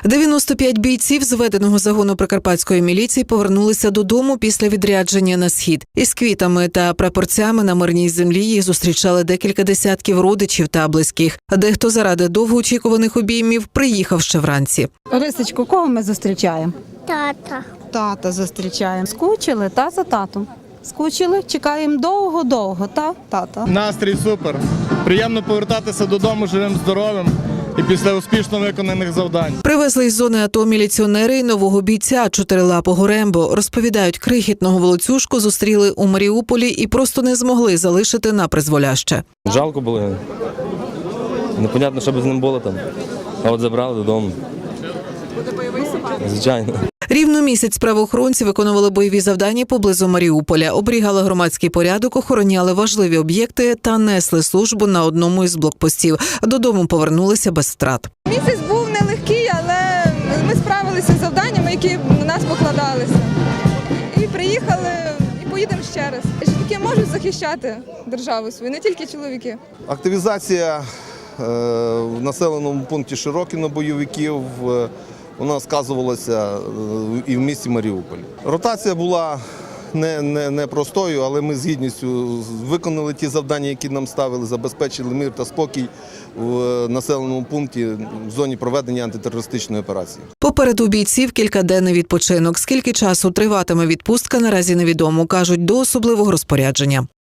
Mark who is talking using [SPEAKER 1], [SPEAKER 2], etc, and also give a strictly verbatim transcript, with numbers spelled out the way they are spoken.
[SPEAKER 1] дев'яносто п'ять бійців зведеного загону прикарпатської міліції повернулися додому після відрядження на схід. Із квітами та прапорцями на мирній землі їх зустрічали декілька десятків родичів та близьких. А дехто заради довгоочікуваних обіймів приїхав ще вранці.
[SPEAKER 2] Рисочку, кого ми зустрічаємо?
[SPEAKER 3] Тата.
[SPEAKER 2] Тата зустрічаємо. Скучили, та за татом. Скучили, чекаємо довго-довго, та тата.
[SPEAKER 4] Настрій супер. Приємно повертатися додому живим, здоровим і після успішно виконаних завдань.
[SPEAKER 1] Привезли із зони АТО міліціонери й нового бійця чотирилапого Рембо. Розповідають, крихітного волоцюжку зустріли у Маріуполі і просто не змогли залишити на призволяще.
[SPEAKER 5] Жалко було. Непонятно, що б з ним було там. А от забрали додому. Звичайно.
[SPEAKER 1] Рівно місяць правоохоронці виконували бойові завдання поблизу Маріуполя, оберігали громадський порядок, охороняли важливі об'єкти та несли службу на одному із блокпостів. Додому повернулися без втрат.
[SPEAKER 6] Місяць був нелегкий, але ми справилися з завданнями, які на нас покладалися. І приїхали, і поїдемо ще раз. Жінки можуть захищати державу свою, не тільки чоловіки.
[SPEAKER 7] Активізація е, в населеному пункті Широкино бойовиків е, вона сказувалася і в місті Маріуполь. Ротація була не, не, не простою, але ми з гідністю виконали ті завдання, які нам ставили, забезпечили мир та спокій в населеному пункті в зоні проведення антитерористичної операції.
[SPEAKER 1] Попереду бійців кількаденний відпочинок. Скільки часу триватиме відпустка, наразі невідомо, кажуть, до особливого розпорядження.